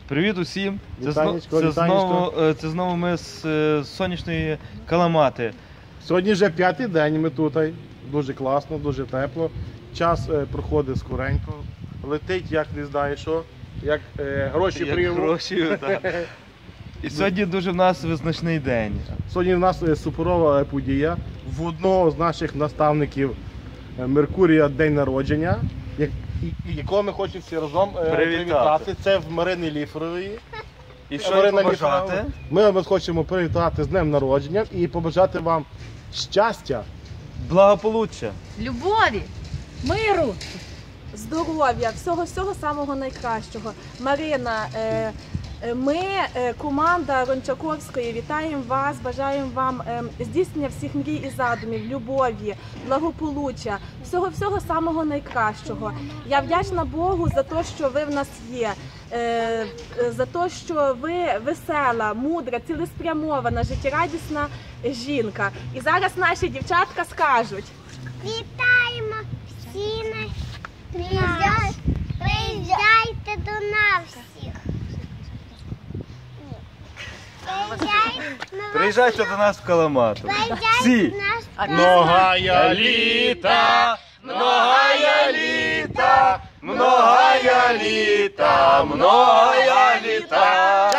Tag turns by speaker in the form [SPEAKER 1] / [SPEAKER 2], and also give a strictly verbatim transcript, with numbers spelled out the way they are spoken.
[SPEAKER 1] Привіт усім! Це,
[SPEAKER 2] Вітанечко,
[SPEAKER 1] це,
[SPEAKER 2] вітанечко.
[SPEAKER 1] знову, це знову ми з е, сонячної Каламати.
[SPEAKER 2] Сьогодні вже п'ятий день ми тут. Дуже класно, дуже тепло. Час е, проходить скоренько. Летить, як не знаю що, як е, гроші
[SPEAKER 1] Як
[SPEAKER 2] прийму.
[SPEAKER 1] гроші, так. І сьогодні дуже в нас визначний день.
[SPEAKER 2] Сьогодні в нас е, суперова подія. В одного з наших наставників е, Меркурія день народження, як, і, і якого ми хочемо всі разом е,
[SPEAKER 1] Привітати.
[SPEAKER 2] привітати. Це в Марини Ліферової.
[SPEAKER 1] І що
[SPEAKER 2] Марина
[SPEAKER 1] їм побажати?
[SPEAKER 2] Ліферова. Ми вас хочемо привітати з днем народження і побажати вам щастя,
[SPEAKER 1] Благополуччя.
[SPEAKER 3] Любові, миру.
[SPEAKER 4] Здоров'я, всього-всього самого найкращого. Марина, е, е, ми, е, команда Рончаковської, вітаємо вас, бажаємо вам е, здійснення всіх мрій і задумів, любові, благополуччя, всього-всього самого найкращого. Я вдячна Богу за те, що ви в нас є, е, е, за те, що ви весела, мудра, цілеспрямована, життєрадісна жінка. І зараз наші дівчатка скажуть.
[SPEAKER 5] Вітаємо всі на Приїжджай, приїжджайте до нас всіх. Приїжджайте,
[SPEAKER 1] Приїжджайте до нас в Каламату. Всі!
[SPEAKER 5] до нас.
[SPEAKER 2] Многая літа, многая літа, многая літа, многая літа.